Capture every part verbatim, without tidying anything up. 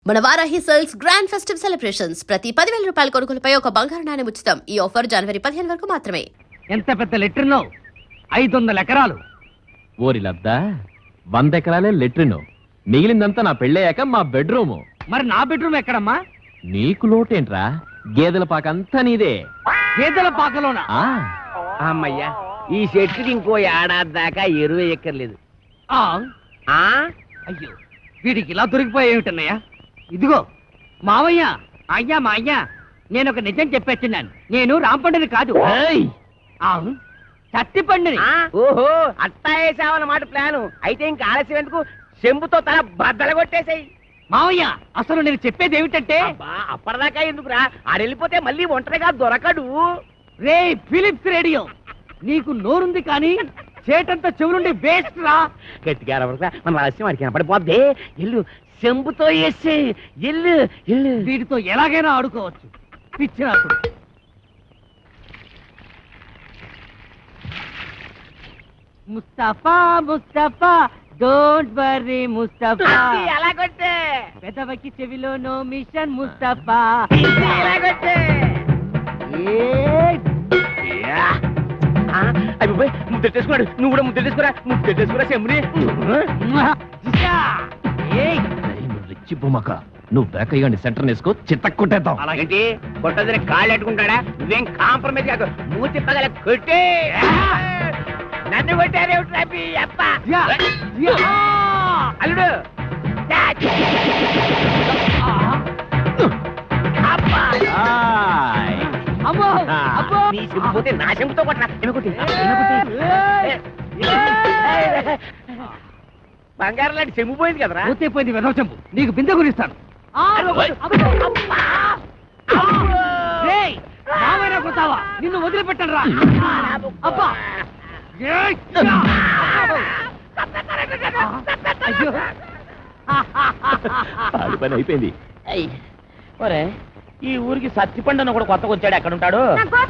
మన Varahi sales grand festive celebrations ప్రతి పదివేల రూపాయల కొనుగోలుపై ఒక బంగారు నాణెం ఉచితం. ఈ ఆఫర్ జనవరి పదిహేను వరకు మాత్రమే. ఎంత పెద్ద లెట్రిన్ ఐదు వందల ఎకరాలు. ఓరి లద్దా, వంద ఎకరాలే లెట్రిన్, మిగిలిందంతా నా పెళ్ళయ్యాక మా బెడ్రూము. మరి నా బెడ్రూమ్ ఎక్కడమ్మా? నీకు లోటేంట్రా, గేదెల పాకంతా నీదే. గేదెల పాకలోనా? ఆ అమ్మయ్యా, ఈ చెట్టుకి ఇంకో ఏడాది దాకా ఎరువు ఎక్కర్లేదు. ఆ, ఆ అయ్యో వీడికి ఇలా దొరికిపోయేమిటన్నయ్యా. ఇదిగో మావయ్య, అయ్యా మా అయ్యా, నేను ఒక నిజం చెప్పేస్తున్నాను. నేను రాంపండుని కాదు, ఏయ్! చత్తి పండుని. ఆ, ఓహో అట్టా వేసావన్నమాట ప్లాను. అయితే ఇంకా ఆలస్యం ఎందుకు, చెంబుతో తల బద్దలు కొట్టేసాయి. మావయ్య, అసలు నేను చెప్పేది ఏమిటంటే, అబ్బా, అప్పటిదాకా ఎందుకురా, ఆడెళ్ళిపోతే మళ్ళీ ఒంటరిగా దొరకడు. రే ఫిలిప్స్ రేడియో, నీకు నోరుంది కానీ చేటంతా చెవులుండి వేస్ట్ రా. గట్టిగా అరవరుగా, మన రహస్యం వాడికి కనపడిపోద్ది. ఎల్లు, చెంబుతో వేసి ఎల్లు ఎల్లు. వీటితో ఎలాగైనా ఆడుకోవచ్చు. పిచ్చిరాకుడు. Mustafa Mustafa don't worry Mustafa. ఎలా కొట్టే, పెదవకి చెవిలో నో మిషన్ ముస్తఫా. ఎలా కొట్టే. ముద్దెట్టేసుకున్నాడు, నువ్వు కూడా ముద్దెట్టేసుకురా. ముద్దెట్టేసుకురా చెంబుని. రిచ్చి బొమ్మక, నువ్వు బ్యాక్ అయ్యండి, సెంటర్ వేసుకో, చిత్త కొట్టేద్దాం. అలాగేంటి, కొట్టదని కాళ్ళు ఎట్టుకుంటాడా? నువ్వేం కాంప్రమైజ్ కాదు, మూతి పగల కొట్టే. నన్ను కొట్టారేమిటి అప్ప అల్లుడు. ఆయ్! అమ్మో అబ్బో. నీ చెంపుపోతే నా చెంపుతో కొట్టరా. బంగారం లాంటి చెంపు పోయింది కదరా. పోతే వెదవ చెంపు, నీకు బిందె గురిస్తాను. కొడతావా? నిన్ను వదిలిపెట్టను రా. అబ్బా, అది పని అయిపోయింది. ఒరే, ఈ ఊరికి సత్తిపండు కూడా కొత్తగా వచ్చాడు. ఎక్కడ ఉంటాడు?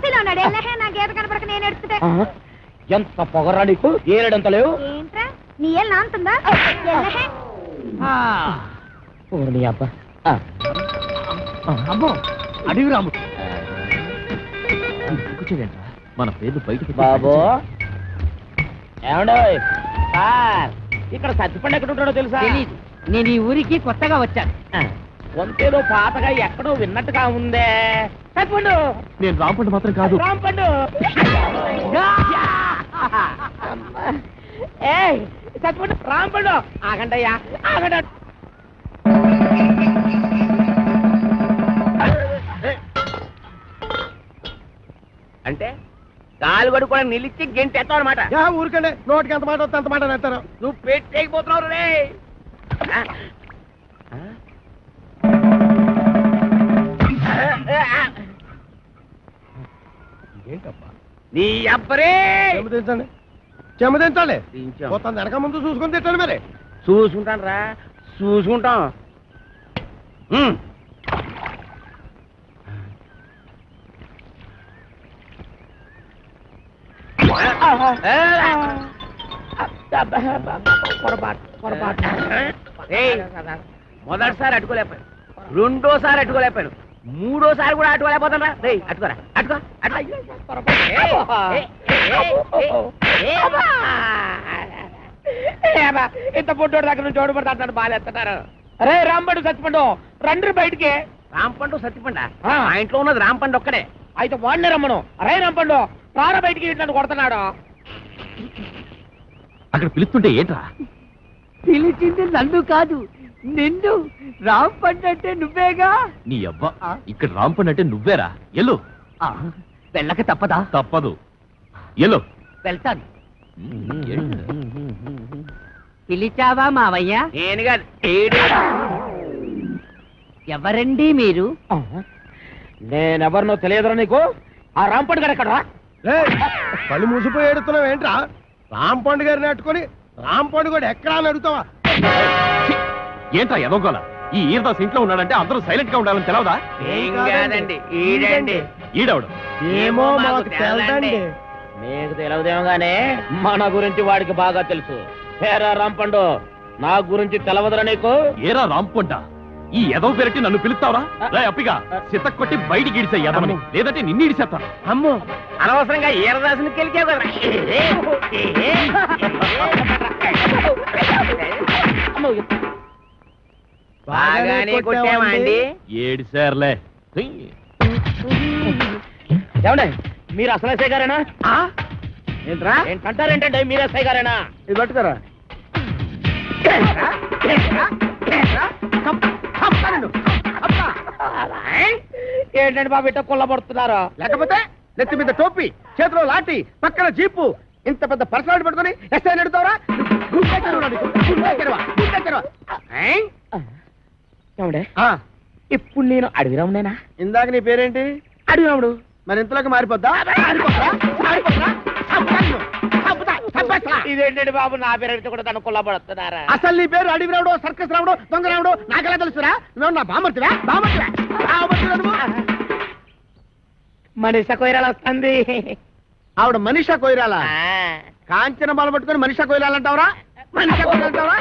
ఎంత పొగరా నీకు, ఏడంత లేవు. అబ్బా, అమ్మో అడివి రాముడు. కూర్చోడేంట్రా, మన పేర్లు బయటకు బాబు. ఏమండో సార్, ఇక్కడ సత్తిపండు ఎక్కడ ఉంటాడో తెలుసా? తెలీదు, నేను ఈ ఊరికి కొత్తగా వచ్చాను. వంతేలో పాతగా ఎక్కడో విన్నట్టుగా ఉందే. సత్తిపండు. నేను రాంపండు మాత్రం కాదు. రాంపండు. ఏయ్ సత్తిపండు, రాంపండు. ఆగండయ్యా, ఆగండి. అంటే కాలు గడు కూడా నిలిచి గెంటి ఎత్తావు అనమాట. ఊరికండి, నోటికి ఎంత మాట వస్తే అంత మాట నెత్తారు. నువ్వు పెట్టేకపోతున్నావు రే. ఏంటబ్బా నీ అబ్బరే. చెమదించండి, చెమదించాలి. మొత్తం వెనక ముందు చూసుకొని తిట్టాలి. మరి చూసుకుంటాను రా, చూసుకుంటాం. మొదటిసారి అట్టుకోలేకపోయాను, రెండోసారి అట్టుకోలేకపోయాను, మూడోసారి కూడా అట్టుకోలేకపోతాను రా. రే అట్టుకోరా, అట్టుకో. ఇంత పొట్టోడు దగ్గర నుంచి చోటు పడతాడు, బాగా. అరే రాంపండు సత్తిపండు రండి బయటికి. రాంపండు సత్తిపండు ఆ ఇంట్లో ఉన్నది రాంపండు ఒక్కడే. అయితే వాడినే రమ్మను. అరే రాంపండు రారా బయటికి, ఇట్లా కొడుతున్నాడు. అక్కడ పిలుస్తుంటే ఏంట్రా? పిలిచింది నన్ను కాదు, నిన్ను. రాంపండు అంటే నువ్వేగా. నీ అబ్బా, ఇక్కడ రాంపండు అంటే నువ్వేరా. ఎల్లు. వెళ్ళక తప్పదా? తప్పదు, ఎల్లు. వెళ్తాను. పిలిచావా మావయ్య? నేను కాదు. ఎవరండి మీరు? నేనెవరినో తెలియదురా నీకు. ఆ రాంపండు గారు ఎక్కడ? కళ్ళు మూసిపోయి ఏడుతున్నావు ఏంట్రా? రాంపండు గారిని అట్టుకొని రాంపండు కూడా ఎక్కడా అని అడుగుతావా? ఏంట్రా ఎదోగోల? ఈ ఈరదాస్ ఇంట్లో ఉన్నాడంటే అందరూ సైలెంట్ గా ఉండాలని తెలవదా? ఏం కాదండి, ఈడండి. ఈడవడు ఏమో మాకు తెలదండి. మీకు తెలియదేమో గానే మన గురించి వాడికి బాగా తెలుసు. హేరా రాంపండు, నా గురించి తెలవదురా నీకు? ఏరా రాంపంట, ఈ ఎదవ పెరటి నన్ను పిలుస్తావరా రే అప్పిగా సిత కొట్టి బయటికి ఇడిసే ఎదవని లేదంటే నిన్ను ఇడిసేస్తాను అమ్మో అనవసరంగా ఈరదాసుని కెలికావు కదా బాగానే కొట్టావా అండి ఏడు సార్లే ఏమండి మీరు అసలు ఎస్ఐ గారేనా ఏంట్రా ఏంటంటారేంటండి మీరు ఎస్ఐ గారేనా ఇది పట్టుకోరా ఏంటండి బాబు ఇట్ట కొల్లబడుతున్నారు లేకపోతే నెత్తి మీద టోపీ చేతిలో లాఠీ పక్కన జీపు ఇంత పెద్ద పర్సనాలిటీ పట్టుకొని ఎస్ఐ నడుతావరా ఏమండే ఇప్పుడు నేను అడవి రామునేనా ఇందాక నీ పేరేంటి అడవి రాముడు మరి ఇంతలోకి మారిపోద్దా మారిపోద్దా? మారిపోద్దా? చంపేస్తాను. చంపుతా, చంపేస్తా. ఇదేంటండి బాబు నా పేరు కూడా తను కొల్లబడుతున్నారా అసలు నీ పేరు అడవి రావుడు సర్కస్ రావుడు దొంగ రావుడు నాకెలా తెలుసురా నువ్వు నా బామర్తివా బామర్తివా బామర్తివా నువ్వు మనిషి కొయ్యరాలు వస్తుంది ఆవిడ మనిషా కొయ్యరాలా కాంచన బాల పట్టుకొని మనిషా కొయ్యాలంటావరా మనిషా కొయ్యాలంటావరా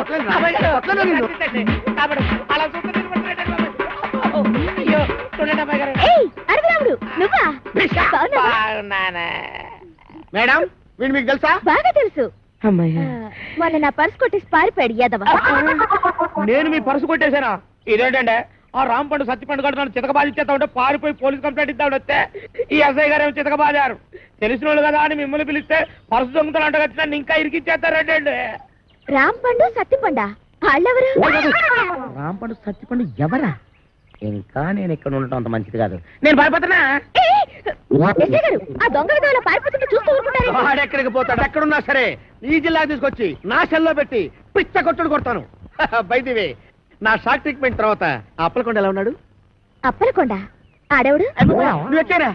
మేడం వీడు మీకు తెలుసా బాగా తెలుసు మొన్న నా పర్స్ కొట్టేసి పారిపోయాడు యాదవ నేను మీ పరుసు కొట్టేశానా ఇదేంటంటే ఆ రాంపండు సత్యపండు గారు నన్ను చితకబాధించేస్తా ఉంటే పారిపోయి పోలీస్ కంప్లైంట్ ఇద్దాడు వస్తే ఈ ఎస్ఐ గారు ఏమో చితకబాదారు తెలిసిన వాళ్ళు కదా అని మిమ్మల్ని పిలిస్తే పరుసు దొంగతలు అంటగచ్చి నన్ను ఇంకా ఇరికిచ్చేస్తారంటే రాంపండు సత్తిపండా వాళ్ళెవరు రాంపండు సత్యపండు ఎవరా ఇంకా నేను ఇక్కడ ఉండటం అంత మంచిది కాదు నేను భయపడుతున్నా ఎస్ఐ గారు ఆ దొంగ విధంగా పారిపోతుంటే చూస్తూ ఊరుకుంటారు వాడెక్కడికి పోతాడు ఎక్కడున్నా సరే ఈ జిల్లాకి తీసుకొచ్చి నా సెల్లో పెట్టి పిచ్చ కొట్టుడు కొడతాను బైదివే నా షాక్ ట్రీట్మెంట్ తర్వాత ఆ అప్పలకొండ ఎలా ఉన్నాడు అప్పలకొండ ఆడవుడు నువ్వు ఎక్కారా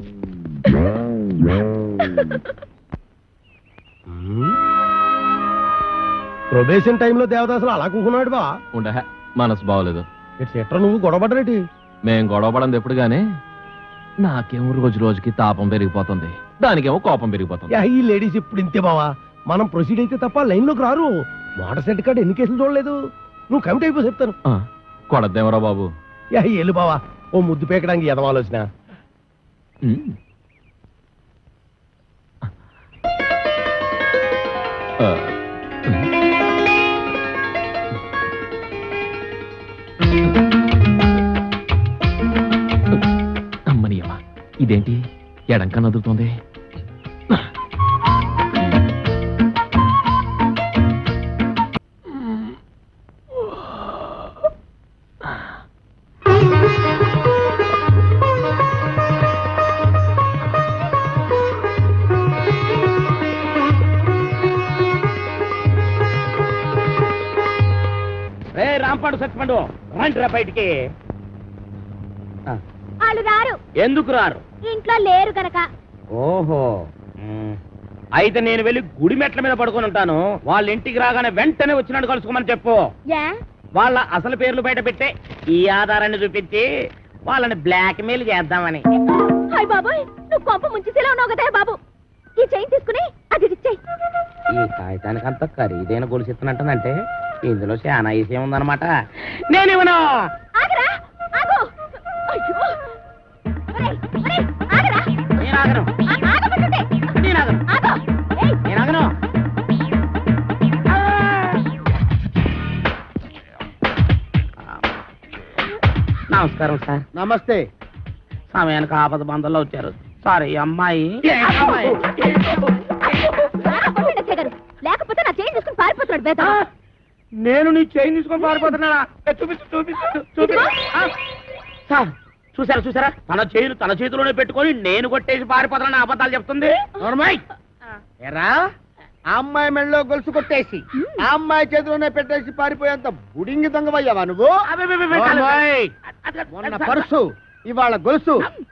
ప్రొబేషన్ టైంలో దేవదాసులు అలా కూకున్నాడు బా ఉండ మనసు బాగోలేదు ఎట్రా నువ్వు గొడవపడరేటి మేం గొడవపడంది ఎప్పుడు గానీ నాకేమో రోజు రోజుకి తాపం పెరిగిపోతుంది దానికేమో కోపం పెరిగిపోతుంది యా, ఈ లేడీస్ ఇప్పుడు ఇంతే బావా మనం ప్రొసీడ్ అయితే తప్ప లైన్ లోకి రారు మోటార్ సెట్ కార్డు ఎన్ని కేసులు చూడలేదు నువ్వు కమిటీ అయిపో చెప్తాను ఆ, కొడద్దేమరా బాబు యా ఎల్లు బావా ఓ ముద్దు పేకడానికి ఎదవాలోచన ఉమ్. ఆ, అమ్మనియమ్మ ఇదేంటి ఎడంక నదులుతోంది రే రాంపండు సత్యపండు రండిరా బయటికి వాళ్ళు రారు ఎందుకు రారు ఇంట్లో లేరు గనక ఓహో మ్. అయితే నేను వెళ్ళి గుడి మెట్ల మీద పడుకొని ఉంటాను వాళ్ళ ఇంటికి రాగానే వెంటనే వచ్చినట్టు కలుసుకోమని చెప్పు యా వాళ్ళ అసలు పేర్లు బయట పెట్టే ఈ ఆధారాన్ని చూపించి వాళ్ళని బ్లాక్ మెయిల్ చేద్దామని హాయ్ బాబోయ్ నువ్వు కొంప ముంచేసేలా ఉన్నావు కదా బాబు ఈ చైన్ తీసుకుని అది ఇచ్చేయి ఈ కాగితానికి అంత ఖరీదైన గొలుసు ఇస్తున్నట్టుందంటే ఇందులో చాలా విషయం ఉందన్నమాట నేనేమన్నా ఆగరా ఆగు అయ్యో ఒరేయ్, ఒరేయ్, ఆగరా నేను ఆగను ఆ- ఆగమంటుంటే. నేను ఆగను ఆగు ఏయ్, నేను ఆగను నమస్కారం సార్ నమస్తే సమయానికి ఆపద బంధంలో వచ్చారు సార్ ఈ అమ్మాయి బాగా కొట్టండి ఎస్ఐ గారు. లేకపోతే నా చైన్ తీసుకుని పారిపోతున్నాడు బేద నేను నీ చైన్ తీసుకొని పారిపోతున్నానా ఏ, చూపించు చూపించు చూపించు ఆ, సార్ చూసారా చూసారా తన చైన్ తన చేతిలోనే పెట్టుకొని నేను కొట్టేసి పారిపోతానని అబద్ధాలు చెప్తుంది నోర్మయ్. ఎరా ఆ అమ్మాయి మెళ్ళలో గొలుసు కొట్టేసి ఆ అమ్మాయి చేతిలోనే పెట్టేసి పారిపోయేంత బుడింగి దొంగవయ్యావా నువ్వు నోర్మయ్. మొన్న పర్సు ఇవాళ గొలుసు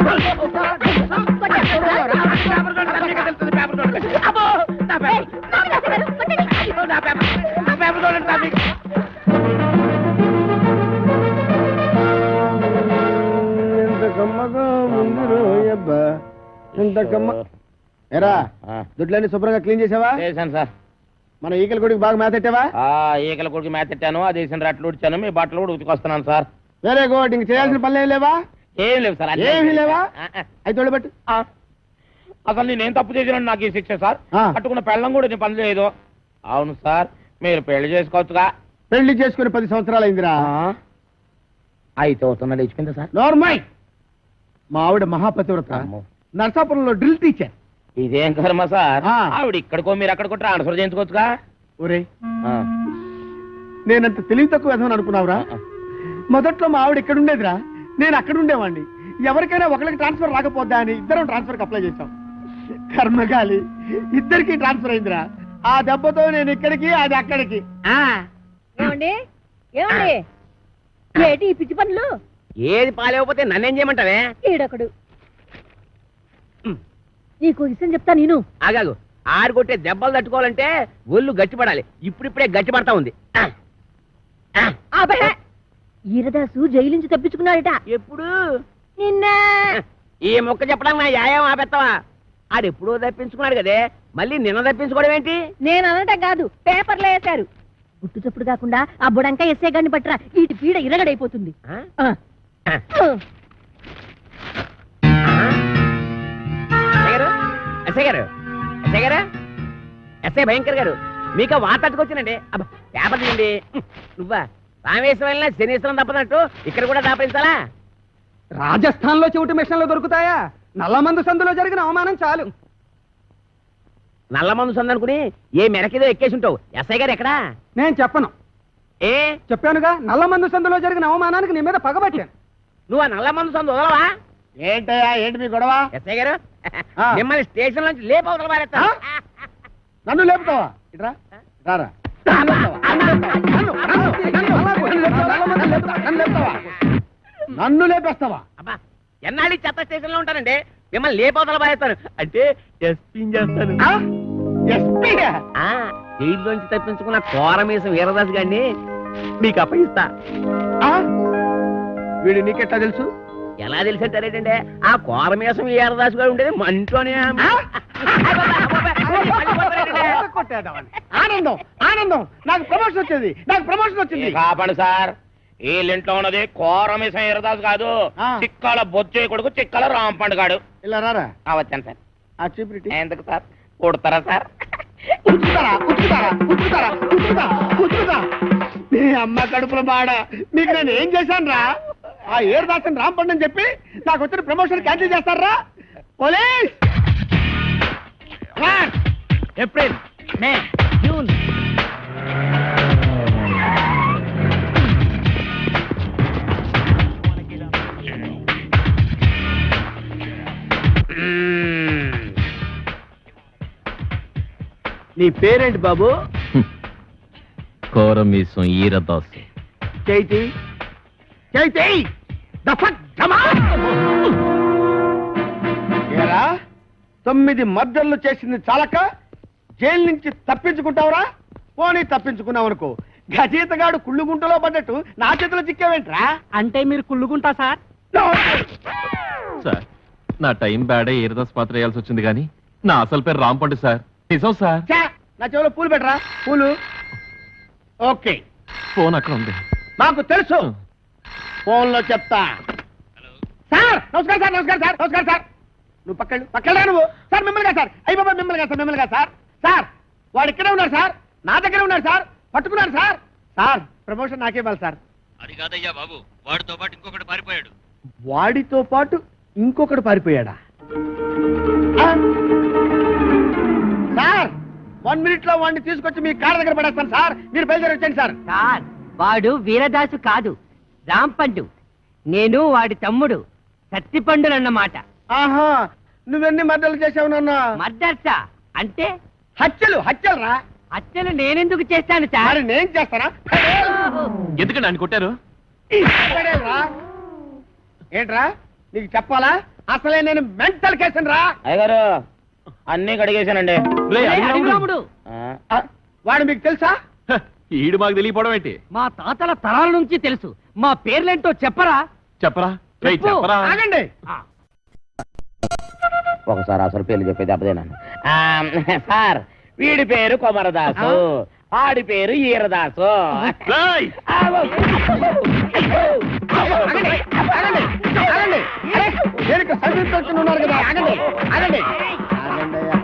ఎంత కమ్మగా ఉంది రోయబ్బా ఎంత కమ్మ ఎరా దుడ్లన్నీ శుభ్రంగా క్లీన్ చేసావా చేశాను సార్ మన ఈకల గుడికి బాగా మేతెట్టావా? ఆ ఈకల కొడుకు మేతెట్టాను, అది వేసిన రట్లు ఉడిచాను, మీ బట్టలు కూడా ఉతికొస్తున్నాను సార్. Very good. ఇంక చేయాల్సిన పనులు ఏం లేవా? ఏం లేవు సార్. అన్నీ ఏమీ లేవా? ఆ, ఆ. అయితే తోడబెట్టు. ఆ. అసలు నేనేం తప్పు చేసినాను నాకు ఈ శిక్ష సార్? ఆ. కట్టుకున్న పెళ్ళం కూడా నేను పని చేయదు. అవును సార్, మీరు పెళ్లి చేసుకోవచ్చుగా. పెళ్లి చేసుకుని పది సంవత్సరాలు అయిందిరా. అయితే అవుతున్నా లేచిపోయిందా సార్? నోర్మై. మా ఆవిడ మహాపతివ్రత, అమ్మో. నర్సాపురంలో డ్రిల్ టీచర్. ఇదేం కర్మ సార్? ఆ. ఆవిడ ఇక్కడికో మీరు అక్కడికో ట్రాన్స్ఫర్ చేయించుకోవచ్చుగా. ఒరే, ఆ. నేనంత తెలివి తక్కువ విధమని అనుకున్నావురా? మొదట్లో మా ఆవిడ ఇక్కడ ఉండేదిరా, నేను అక్కడ ఉండేవాడిని. ఎవరికైనా ఒకరికి ట్రాన్స్ఫర్ రాకపోద్దా అని ఇద్దరం ట్రాన్స్ఫర్ అప్లై చేశాం. కర్మగాలి, ఇద్దరికి ట్రాన్స్ఫర్ అయిందిరా. ఆ దెబ్బతో నేను ఇక్కడికి, అది అక్కడికి. ఏమండి ఏమండి ఏటి ఈ పిచ్చి పనులు? ఏది పాలేకపోతే నన్నేం చేయమంటావే? ఈడొకడు. నీకు విషయం చెప్తా నేను. ఆగాగు, ఆరు కొట్టే దెబ్బలు తట్టుకోవాలంటే ఒళ్ళు గట్టిపడాలి. ఇప్పుడిప్పుడే గట్టిపడతా ఉంది. ఆ, ఆ, ఆబహే! ఈరదాసు జైలు నుంచి తప్పించుకున్నాడట. ఎప్పుడు? నిన్న ఈ మొక్క చెప్పడానికి నా యాయం ఆపెత్తావా? ఆడెప్పుడో తప్పించుకున్నాడు కదే, మళ్ళీ నిన్న తప్పించుకోవడం ఏంటి? నేను అనటం కాదు, పేపర్లో వేశారు. గుట్టు చప్పుడు కాకుండా ఆ బుడంకా ఎస్ఏ గారిని పట్టరా, ఈటి పీడ ఇరగడైపోతుంది. ఆ? ఆ. ఆ. ఎస్ఐ గారు, ఎస్ఐ గారు, ఎస్ఐ గారు, ఎస్ఐ భయంకర్ గారు, మీకు వాటట్టుకొచ్చానండి. అబ్బా, పేపర్ తీయండి. నువ్వా రామేశ్వరం వెళ్ళినా శనీశ్వరం తప్పనట్టు ఇక్కడ కూడా దాపించాలా? రాజస్థాన్ లో చెవిటి మిషన్లు దొరుకుతాయా? నల్లమందు సందులో జరిగిన అవమానం చాలు. నల్ల మందు సందనుకుని ఏ మెరకేదో ఎక్కేసి ఉంటావు. ఎస్ఐ గారు ఎక్కడా? నేను చెప్పను. ఏ చెప్పానుగా, నల్లమందు సందులో జరిగిన అవమానానికి నీ మీద పగబట్టాను. నువ్వు ఆ నల్ల మందు సందు వదలవా? ఏంటయ్యా, ఏంటి మీ గొడవ? ఎస్ఐ గారు, ఆ. మిమ్మల్ని స్టేషన్ నుంచి లేపవతల పారేస్తా. నన్ను లేపుతావా? ఇట్రా, రారా. నన్ను లేపుతావా? నన్ను లేపుతావా? నన్ను, నన్ను, నన్ను, నన్ను లేపుతావా? నన్ను లేపుతావా? నన్ను లేపుతావా? నన్ను లేపేస్తావా? అబ్బా, ఎన్నాళ్ళు చెత్త స్టేషన్ లో ఉంటానండి, మిమ్మల్ని లేపవతల పారేస్తాను. అంటే ఎస్పీ చేస్తాను. ఆ? ఎస్పీయా? ఆ, జైల్లోంచి తప్పించుకున్న కోరమీసం వీరదాస్ గారిని మీకు అప్పగిస్తా. ఆ? వీడు నీకెట్లా తెలుసు? ఎలా తెలిసంటారేటండి, ఆ కోరమీసం వీరదాస్ గారు ఉండేది మా ఇంట్లోనే. ఆనందం, ఆనందం. నాకు ప్రమోషన్ వచ్చింది, నాకు ప్రమోషన్ వచ్చింది. కాపాడు సార్, వీళ్ళింట్లో ఉన్నది కోరమిసం ఇరదాసు కాదు, ఆ. చిక్కల బొచ్చే కొడుకు చిక్కల రాంపండు గాడు. ఇలా రారా. ఆ, వచ్చాను సార్. ఆ చీపురిటి ఎందుకు సార్ కొడతారా సార్? ఉతుకుతారా, ఉతుకుతారా, ఉతుకుతారా, ఉతుకుతా, ఉతుకుతా. నీ అమ్మ కడుపుల బాడ, మీకు నేను ఏం చేశాను రా? ఆ ఏడు దాసన్ రాంపండి అని చెప్పి నాకు వచ్చిన ప్రమోషన్ క్యాన్సిల్ చేస్తారా? పోలీస్! April, May, June. నీ పేరేంటి బాబు? కోరమీసం ఈరదాసు. చైతి చైతి ఏరా, తొమ్మిది మర్డర్లు చేసింది చాలక జైలు నుంచి తప్పించుకుంటావురా? పోనీ తప్పించుకున్నావు అనుకో, గజీతగాడు కుళ్ళుగుంటలో పడ్డట్టు నా చేతిలో చిక్కావేంట్రా? అంటే మీరు కుళ్ళుకుంటా సార్? సార్, నా టైం బ్యాడే ఈరదాస్ పాత్ర వేయాల్సి వచ్చింది కానీ నా అసలు పేరు రాంపండు సార్. నిజం సార్. ఛా, నా చెవిలో పూలు పెట్టరా, పూలు. ఓకే, ఫోన్ అక్కడ ఉంది. నాకు తెలుసు, ఫోన్ లో చెప్తా. సార్ నమస్కారం సార్, నమస్కారం సార్, నమస్కారం సార్. నువ్వు పక్కడు పక్కడా నువ్వు. సార్ మిమ్మల్ని కాదు సార్, అయ్యి బాబా మిమ్మల్ని కాదు సార్, మిమ్మల్ని కాదు సార్. సార్ వాడు ఇక్కడే ఉన్నారు సార్, నా దగ్గర ఉన్నారు సార్, పట్టుకున్నారు సార్. సార్ ప్రమోషన్ నాకే ఇవ్వాలి సార్. అది కాదయ్యా బాబు, వాడితో పాటు ఇంకొకటి పారిపోయాడు. వాడితో పాటు ఇంకొకడు పారిపోయాడా? ఆ? సార్ వన్ మినిట్ లో వాడిని తీసుకొచ్చి మీ కాళ్ళ దగ్గర పడేస్తాను సార్, మీరు బయలుదేరి వచ్చండి సార్. సార్, వాడు వీరదాసు కాదు, రాంపండు. నేను వాడి తమ్ముడు సత్తిపండునన్నమాట. ఆహా, నువ్వెన్ని మర్డర్లు చేసావు నాన్న? మర్దర్సా అంటే హత్యలు, హత్యలు రా. హత్యలు నేనెందుకు చేస్తాను సార్? మరి నేను చేస్తానా? ఎందుకండి ఆయన కొట్టారు? రా. ఏంట్రా నీకు చెప్పాలా? అసలే నేను మెంటల్ కేసును రా. అయ్యగారు అన్ని కడిగేశానండి. రేయ్, అడిగి రాముడు. రాముడు, ఆ, ఆ, వాడు మీకు తెలుసా? హ, ఈడు మాకు తెలియపోవడం ఏంటి? మా తాతల తరాల నుంచి తెలుసు. మా పేర్లేంటో చెప్పరా? చెప్పరా రేయ్, చెప్పు. చెప్పరా. ఆగండి. ఒకసారి అసలు పేర్లు చెప్పేది అప్పుడేనా? ఆ, సార్ వీడి పేరు కొమరదాసు, ఆడి పేరు ఈరదాసు. రేయ్! ఆగో. ఆగండి, ఆగండి, ఆగండి. అరే, నేను ఇక్కడ సబ్ ఇన్స్పెక్టర్ ఉన్నారు కదా, ఆగండి, ఆగండి. ఆగండి అయ్యా.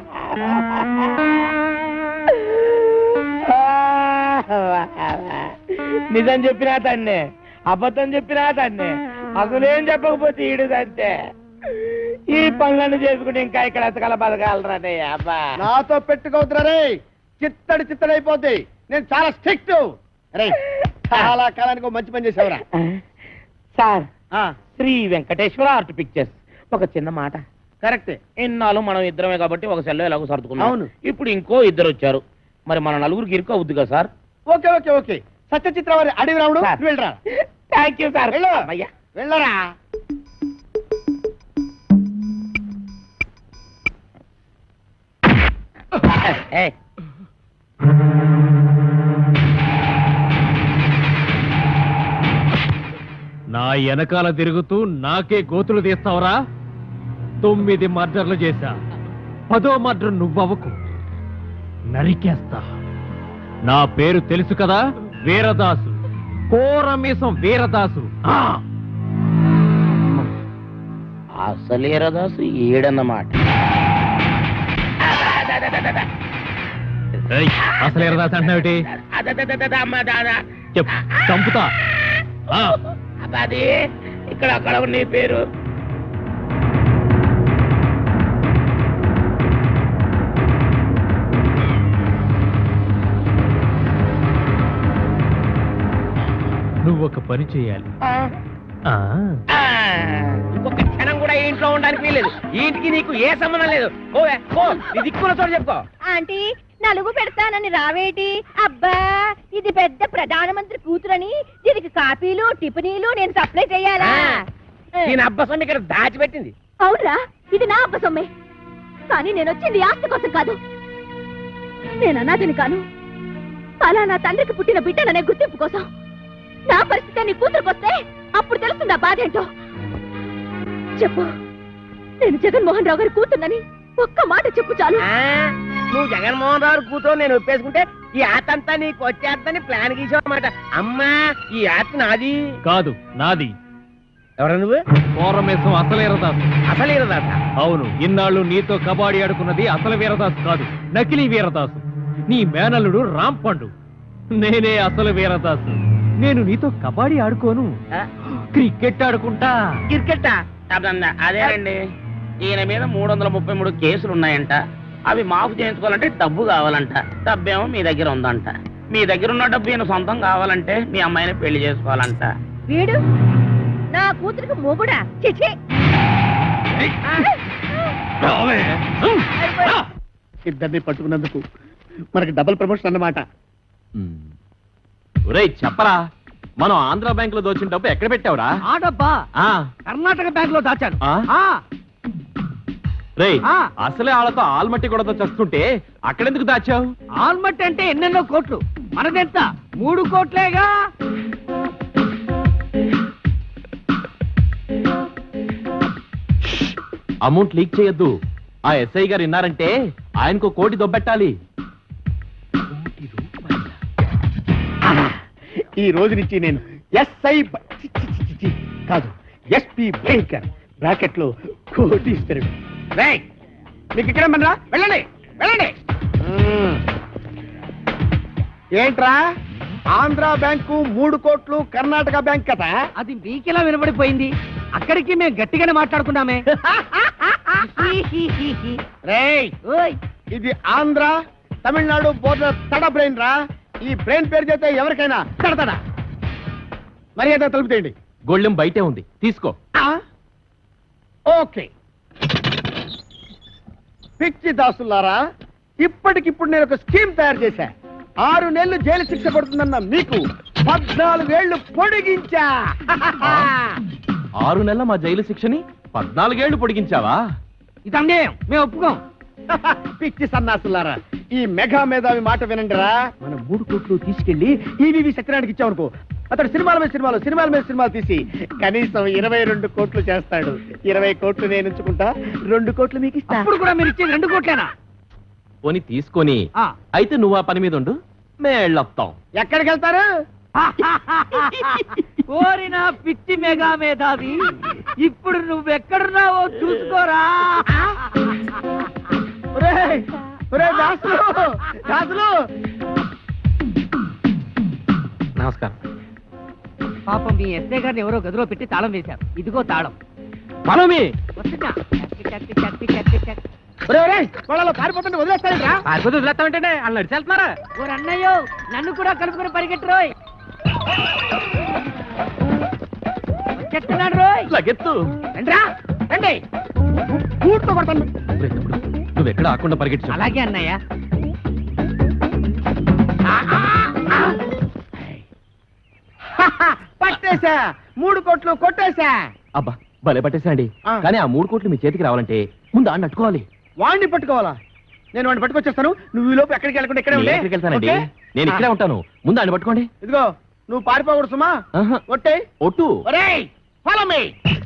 నిజం చెప్పినా తన్నే, అబద్ధం చెప్పినా తన్నే, అసలేం చెప్పకపోతే ఈడు అంతే. ఈ పనులను చేసుకుంటే ఇంకా ఇక్కడ అసలు బతకాలరానే అబ్బా. నాతో పెట్టుకోవద్దురా రే, చిత్తడి చిత్తడైపోద్ది. నేను చాలా స్ట్రిక్ట్. రే, చాలా కాలానికి ఒక మంచి పని చేసావురా. సార్, ఆ, శ్రీ వెంకటేశ్వర ఆర్ట్ పిక్చర్స్. ఒక చిన్న మాట. కరెక్టే. ఇన్నాళ్ళు మనం ఇద్దరమే కాబట్టి ఒక సెల్లో ఎలాగో సర్దుకున్నాం. అవును. ఇప్పుడు ఇంకో ఇద్దరు వచ్చారు. మరి మన నలుగురికి ఇరుకు అవుద్ది కదా sir? Okay okay okay. Satyachitra వారి అడవి రాముడు, సార్. నువ్వు వెళ్ళరా. Thank you sir. వెళ్ళు. అయ్యా వెళ్ళరా. ఏ, నా వెనకాల తిరుగుతూ నాకే గోతులు తీస్తావరా? తొమ్మిది మర్డర్లు చేశా, పదో మర్డర్ నువ్వవకు, నరికేస్తా. నా పేరు తెలుసు కదా, వీరదాసు, కోరమీసం వీరదాసు. ఆ! అసలేరదాసు ఏడన్నమాట. ఏయ్, అసలు వీరదాసు అంటున్నావేటి? అదదదదద, అమ్మ దాదా. చెప్పు, చంపుతా. ఆ! అది ఇక్కడ అక్కడ నీ పేరు. నువ్వు ఒక పని చేయాలి. ఆ, ఆ ఆ, ఇంకొక క్షణం కూడా ఈ ఇంట్లో ఉండడానికి వీల్లేదు. ఈ ఇంటికి నీకు ఏ సంబంధం లేదు. ఓవే ఓ, నీ దిక్కున్న చోటు చెప్పుకో. ఆంటీ, నలుగు పెడతానని రావేటి? అబ్బా, ఇది పెద్ద ప్రధానమంత్రి కూతురని దీనికి కాపీలు టిఫినీలు నేను సప్లై చేయాలా? దీని అబ్బసం ఇక్కడ దాచిపెట్టింది. అవునరా, ఇది నా అబ్బ సొమ్మే. కానీ నేను వచ్చింది ఆస్తి కోసం కాదు. నేను అనాథని కాను, అలా నా తండ్రికి పుట్టిన బిడ్డననే గుర్తింపు కోసం. నా పరిస్థితి నీ కూతురుకు వస్తే అప్పుడు తెలుస్తుంది ఆ బాధ ఏంటో. చెప్పు, నేను జగన్మోహన్ రావు గారి కూతున్నని ఒక్క మాట చెప్పు చాలు. ఆ, నువ్వు జగన్మోహన్ రావు కూతురు నేను ఒప్పేసుకుంటే ఈ ఆతంతా నీకు వచ్చేద్దని ప్లాన్ గీసావు అన్నమాట. అమ్మా, ఈ ఆత్మ నాది కాదు, నాది. ఎవరు నువ్వు? కోరమేసం అసలు వీరదాసు. అసలు ఈరదాస? అవును, ఇన్నాళ్ళు నీతో కబాడీ ఆడుకున్నది అసలు వీరదాసు కాదు, నకిలీ వీరదాసు. నీ మేనల్లుడు రాంపండు. నేనే అసలు వీరదాసు. నేను నీతో కబాడీ ఆడుకోను, క్రికెట్ ఆడుకుంటా. క్రికెట్టా? అదేనండి, ఈయన మీద మూడు వందల ముప్పై మూడు కేసులు ఉన్నాయంట. అవి మాఫ్ చేయించుకోవాలంటే డబ్బు కావాలంట. డబ్బేమో మీ దగ్గర ఉందంట. మీ దగ్గర ఉన్న డబ్బు ఈయన సొంతం కావాలంటే మీ అమ్మాయిని పెళ్లి చేసుకోవాలంట. వీడు నా కూతురికి మొగుడా? చిచి! ఇద్దరిని పట్టుకున్నందుకు మనకి డబుల్ ప్రమోషన్ అన్నమాట. ఒరేయ్ చెప్పరా, మనం ఆంధ్ర బ్యాంక్ లో దోచిన డబ్బు ఎక్కడ పెట్టావురా? ఆ డబ్బా ఆ, కర్ణాటక బ్యాంక్ లో దాచాను. ఆ? ఆ, రేయ్, ఆ. అసలే వాళ్ళతో ఆల్మట్టి కూడా చస్తుంటే అక్కడెందుకు దాచావు? ఆల్మట్ అంటే ఎన్నెన్నో కోట్లు, మనదెంత? మూడు కోట్లేగా. అమౌంట్ లీక్ చేయొద్దు. ఆ ఎస్ఐ గారు విన్నారంటే ఆయనకు కోటి దొబ్బెట్టాలి. ఈ రోజు నుంచి నేను ఎస్ఐ కాదు, ఎస్పీ భయంకర్ బ్రాకెట్ లో కోటీశ్వరుడు. రేయ్, మీకు ఇక్కడ మనరా, వెళ్ళండి వెళ్ళండి. ఏంట్రా, ఆంధ్ర బ్యాంకు మూడు కోట్లు, కర్ణాటక బ్యాంక్ కదా? అది మీకెలా వినబడిపోయింది? అక్కడికి మేము గట్టిగానే మాట్లాడుకున్నామే. రేయ్, ఓయ్, ఇది ఆంధ్ర తమిళనాడు బోర్డర్ తడ బ్రెయిన్ రా. ఈ బ్రెయిన్ పేరు చేస్తే ఎవరికైనా తడతడా. మర్యాద తలుపుతేయండి. గొళ్ళెం బయటే ఉంది, తీసుకో. ఓకే. పిచ్చి దాసులారా, ఇప్పటికిప్పుడు నేను ఒక స్కీమ్ తయారు చేశా. ఆరు నెలలు జైలు శిక్ష పడుతుందన్న మీకు పద్నాలుగేళ్లు పొడిగించా. ఆరు నెలల మా జైలు శిక్షని పద్నాలుగేళ్లు పొడిగించావా? ఇది అన్యాయం, మేము ఒప్పుకోం. పిచ్చి సన్నాసులారా, ఈ మెగా మేధావి మాట వినండిరా. మనం మూడు కోట్లు తీసుకెళ్లి ఈవీవి సత్యనారాయణకి ఇచ్చామనుకో, అతడు సినిమాల మీద సినిమాలు సినిమాల మీద సినిమాలు తీసి కనీసం ఇరవై రెండు కోట్లు చేస్తాడు. ఇరవై కోట్లు నేను ఉంచుకుంటా, రెండు కోట్లు మీకు ఇస్తా. అప్పుడు కూడా మీరు ఇచ్చేది రెండు కోట్లేనా? పోనీ తీసుకొని ఆ. అయితే నువ్వు ఆ పని మీద ఉండు మేళ్ళొస్తాం. ఎక్కడికి వెళ్తారు? కోరిన పిచ్చి మెగా మేధావి, ఇప్పుడు నువ్వెక్కడున్నావో చూసుకోరా. ఒరేయ్, ఒరేయ్ దాసులు, దాసులు. నమస్కారం. పాపం మీ ఎస్ఐ గారిని ఎవరో గదిలో పెట్టి తాళం వేశారు. ఇదిగో తాళం. పరమి వస్తున్నా. చట్టి, చట్టి, చట్టి, చట్టి, చట్టి. ఒరేయ్, ఒరేయ్, వాళ్ళలో పారిపోతుంటే వదిలేస్తారా? పారిపోతే వదిలేస్తామంటే వాళ్ళు నడిచి వెళ్తున్నారా? ఓ అన్నయ్యో, నన్ను కూడా కలుపుకొని పరిగెట్టు రోయ్. వచ్చేస్తున్నాడు రోయ్. లగెత్తు. రండ్రా, రండి. కూర్చో కొడతాను. ఒరేయ్ తమ్ముడు, నువ్వెక్కడ ఆకుండా పరిగెట్టు. అలాగే అన్నయ్య. పట్టేశా, మూడు కోట్లు కొట్టేశా. అబ్బా భలే పట్టేసండి. ఆ. కానీ ఆ మూడు కోట్లు మీ చేతికి రావాలంటే ముందు ఆడిని అట్టుకోవాలి. వాడిని పట్టుకోవాలా? నేను వాడిని పట్టుకొచ్చేస్తాను. నువ్వు ఈ లోపు ఎక్కడికి వెళ్ళకుండా ఇక్కడే ఉండే. ఎక్కడికి వెళ్తానండి? ఓకే? నేను ఇక్కడే ఆ. ఉంటాను. ముందు ఆడిని పట్టుకోండి. ఇదిగో నువ్వు పారిపోకూడదు సుమా. ఆహా. ఒట్టే. ఒట్టు. ఒరేయ్, ఫాలో మీ.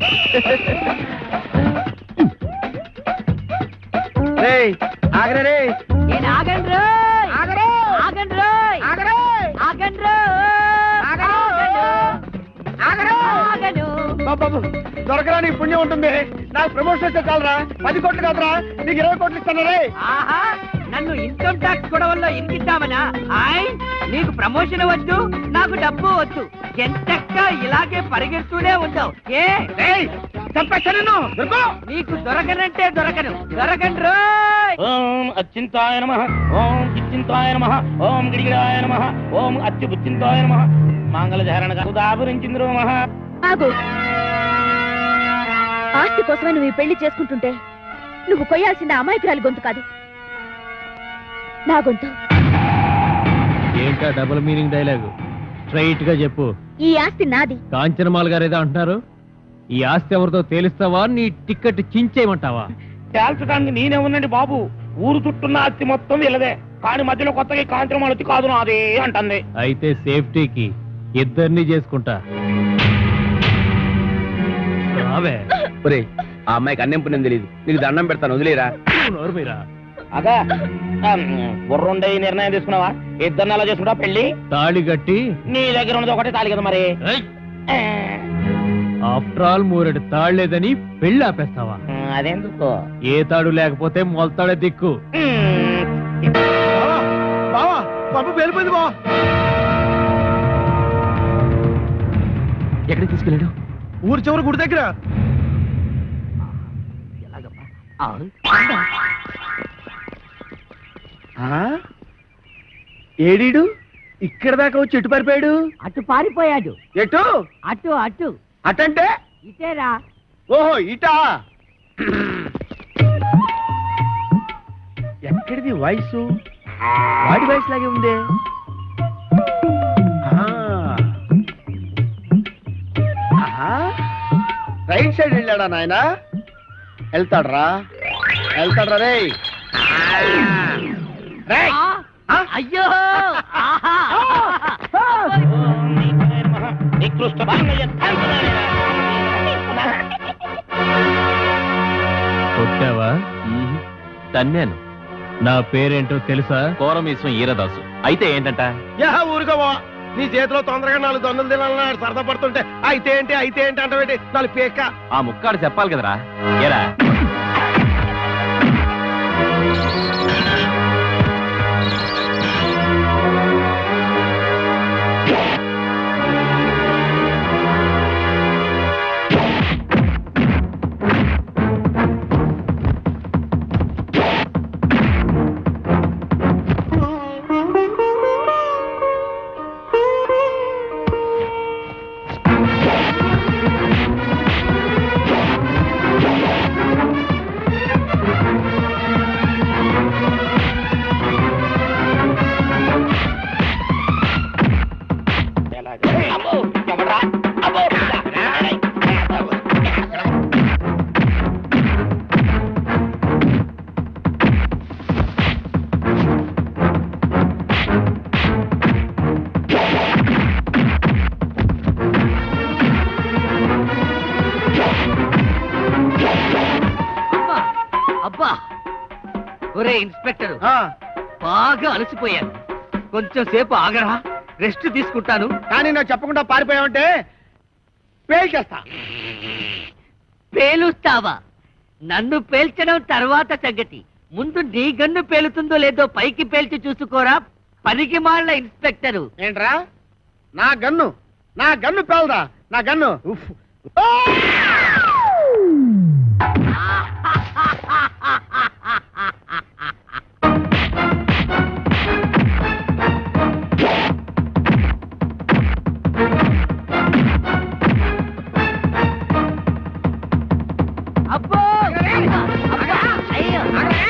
రేయ్, ఆగరే రే. నేను ఆగండి రోయ్. ఆగరే. ఆగండి రోయ్. ఆగరే. ఆగండి రోయ్. ఆగరు. ఆగరు. ఆగను. బాబు, దొరకరా నీ పుణ్యం ఉంటుంది. నాకు ప్రమోషన్ వస్తే చాలరా. పది కోట్లు కాదురా, నీకు ఇరవై కోట్లు ఇస్తాను రే. ఆహా, నన్ను ఇన్కమ్ ట్యాక్స్ గొడవల్లో ఇరికిద్దామనా? ఆయ్, నీకు ప్రమోషన్ వద్దు, నాకు డబ్బు వద్దు. ఎంతక్క ఇలాగే పరిగెడుతూనే ఉంటావు. ఏ రేయ్, చంపేస్తాను నిన్ను. దొరుకు. నీకు దొరకనంటే దొరకను. దొరకండి రోయ్. ఓం అచ్చింతాయ నమః, ఓం ఇచ్చింతాయ నమః, ఓం గిడిగిడాయ నమః, ఓం అచ్యుబుచ్చింతాయ నమః. మంగళధారణ ఉదాహరించింద్రు నమః. ఆగు. ఆస్తి కోసమే నువ్వు ఈ పెళ్లి చేసుకుంటుంటే నువ్వు కొయ్యాల్సిన అమాయకురాలి గొంతు కాదు, నా గొంతు. ఏంటా డబుల్ మీనింగ్ డైలాగు? స్ట్రైట్ గా చెప్పు. ఈ ఆస్తి నాది. కాంచనమాల గారు ఏదో అంటున్నారు. ఈ ఆస్తి ఎవరితో తేలిస్తావా, నీ టికెట్ చించేయమంటావా? తేల్చడానికి నేనే ఉన్నాండి బాబు. ఊరు చుట్టున్న అత్తి మొత్తం వీళ్ళదే. కానీ మధ్యలో కొత్తగా కాంచనం అత్తి కాదు నాదే అంటుంది. అయితే సేఫ్టీకి ఇద్దరిని చేసుకుంటా. రావే. ఒరే, ఆ అమ్మాయికి అన్నం పుణ్యం తెలియదు. నీకు దండం పెడతాను, వదిలేరా. నోరు మీరా. అగా బుర్రుండే నిర్ణయం తీసుకున్నావా? ఇద్దరిని అలా చేసుకుంటా పెళ్లి. తాళి కట్టి. నీ దగ్గర ఉన్నది ఒకటే తాళి కదా మరి. ఆఫ్టర్ ఆల్ మూరెడు తాడు లేదని పెళ్లి ఆపేస్తావా? అదేందుకో. ఏ తాడు లేకపోతే మొలతాడే దిక్కు. బావా, బావా, బాబు వెళ్ళిపోయింది బావా. ఎక్కడికి తీసుకెళ్ళాడు? ఊరు చివరి గుడి దగ్గర. ఏడీడు ఇక్కడ దాకా వచ్చి ఎటు పారిపోయాడు? అటు పారిపోయాడు. ఎటు? అటు అటు అటంటే? ఇటేరా. ఓహో ఇటా. ఎక్కడిది వయసు? వాడి వయసు లాగే ఉందే. రైట్ సైడ్ వెళ్ళాడా నాయనా? వెళ్తాడ్రా, వెళ్తాడ్రా రే. అయ్యో. కొట్టావా? తన్నాను. నా పేరేంటో తెలుసా? కోరమీశ్వం ఈరదాసు. అయితే ఏంటంట? యా ఊరుకోవా. నీ చేతిలో తొందరగా నాలుగు దొంగలు తినాలని సరదా పడుతుంటే అయితే ఏంటి అయితే ఏంటి అంటే నాలుగు పేక. ఆ ముక్కాడు చెప్పాలి కదరా. ఏరా ఒరే ఇన్స్పెక్టర్ ఆ, బాగా అలసిపోయాను, కొంచెం సేపు ఆగరా, రెస్ట్ తీసుకుంటాను. కానీ నాకు చెప్పకుండా పారిపోయావంటే పేల్చేస్తా. పేలుస్తావా? నన్ను పేల్చడం తర్వాత సంగతి, ముందు నీ గన్ను పేలుతుందో లేదో పైకి పేల్చి చూసుకోరా పనికి మాళ్ళ ఇన్స్పెక్టరు. ఏంట్రా నా గన్ను నా గన్ను పేలదా? నా గన్ను ఉఫ్. ఆ! అబ్బో అబ్బా! అయ్యో!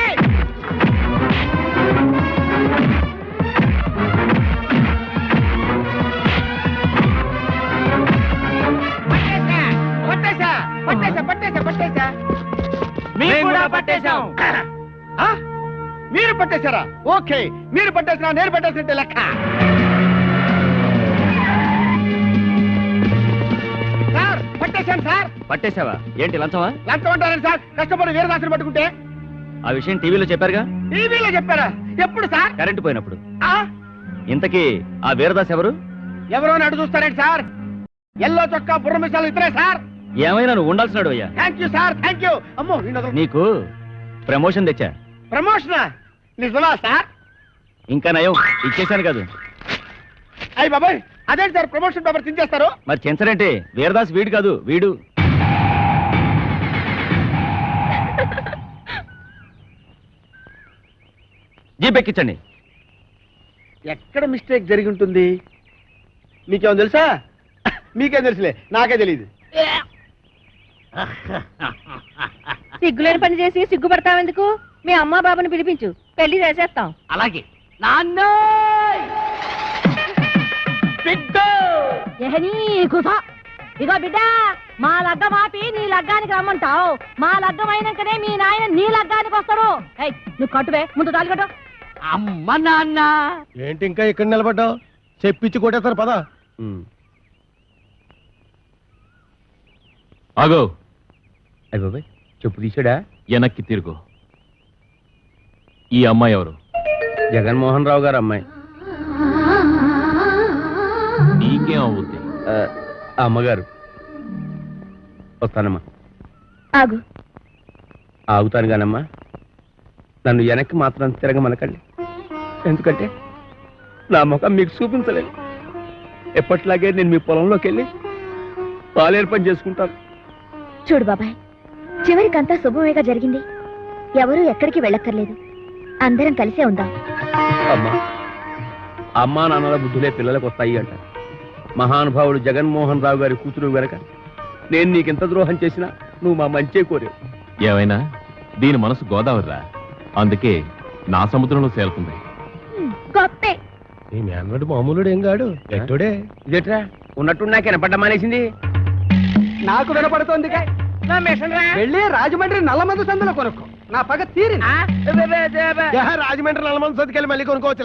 పట్టేశా పట్టేశా పట్టేశా పట్టేశా మేము కూడా పట్టేశాం. ఆ? మీరు పట్టేశారా? ఓకే, మీరు పట్టేసినా నేను పట్టేసినట్టే లెక్క. సార్ పట్టేశాను సార్. పట్టేశావా? ఏంటి లంచమా? లంచం అంటారండి సార్, కష్టపడి వీరదాసుని పట్టుకుంటే. ఆ విషయం టీవీలో చెప్పారుగా. టీవీలో చెప్పారా? ఎప్పుడు సార్? కరెంటు పోయినప్పుడు. ఆ? ఇంతకీ ఆ వీరదాస్ ఎవరు? ఎవరో అని అడుగు చూస్తారండి సార్. ఎల్లో చొక్కా బుర్ర మిసాలు ఇతరే సార్. ఏమైనా నువ్వు ఉండాల్సినాడు అయ్యా. Thank you sir, thank you. అమ్మో ఈయన వదలు. నీకు ప్రమోషన్ తెచ్చా. ప్రమోషనా? నిజమా సార్? ఇంకా నయం ఇచ్చేశాను కాదు. అయ్యి బాబాయ్, అదేంటి సార్ ప్రమోషన్ పేపర్ చించేస్తారు? మరి చెంచరంటే వీరదాస్ వీడు కాదు, వీడు. జీప్ ఎక్కించండి. ఎక్కడ మిస్టేక్ జరిగి ఉంటుంది? మీకేమో తెలుసా? మీకేం తెలుసులే, నాకే తెలియదు. సిగ్గులేని పని చేసి సిగ్గుపడతావెందుకు? మీ అమ్మా బాబుని పిలిపించు, పెళ్లి చేసేస్తాం. అలాగే నాన్న ఇగో బిడ్డ, మా లగ్గం ఆపి నీ లగ్గానికి రమ్మంటావు. మా లగ్గం అయినాకనే మీ నాయన నీ లగ్గానికి వస్తాడు. ఏయ్, నువ్వు కట్టువే, ముందు తాళి కట్టు. అమ్మ నాన్న. ఏంటి ఇంకా ఇక్కడ నిలబడ్డావు? చెప్పించి కొట్టేస్తారు పదా. ఆగో, అయ్య బాబాయ్, చెప్పు తీసాడా? వెనక్కి తిరుగు. ఈ అమ్మాయి ఎవరు? జగన్మోహన్ రావు గారు అమ్మాయి. నీకేం అవుద్ది? ఆ, అమ్మగారు. వస్తానమ్మా. ఆగు. ఆగుతాను కానమ్మా, నన్ను వెనక్కి మాత్రం తిరగమనకండి. ఎందుకంటే నా ముఖం మీకు చూపించలేదు. ఎప్పట్లాగే నేను మీ పొలంలోకి వెళ్ళి పాలేరు పని చేసుకుంటాను. చూడు బాబాయ్, చివరికంతా శుభమేగా జరిగింది. ఎవరూ ఎక్కడికి వెళ్ళక్కర్లేదు. అందరం కలిసే ఉందాం. అమ్మా, అమ్మా నాన్నల బుద్ధులే పిల్లలకు వస్తాయి అంట. మహానుభావుడు జగన్మోహన్ రావు గారి కూతురు వెనక నేను నీకెంత ద్రోహం చేసినా నువ్వు మా మంచే కోరావు. ఏమైనా దీని మనసు గోదావరిరా, అందుకే నా సముద్రంలో చేరుతుంది. గొప్పే. నీ మేనడు మామూలుడు ఏం కాడు, ఎట్టుడే. ఇదేట్రా ఉన్నట్టు నాకు వినపడ్డ మానేసింది. నాకు వినపడుతోంది. వెళ్ళి రాజమండ్రి నల్లమందు సందులో కొనుక్కో, నా పగ తీరింది. రాజమండ్రి నల్లమంది సతికెళ్ళి మళ్ళీ కొనుక్కోవచ్చు.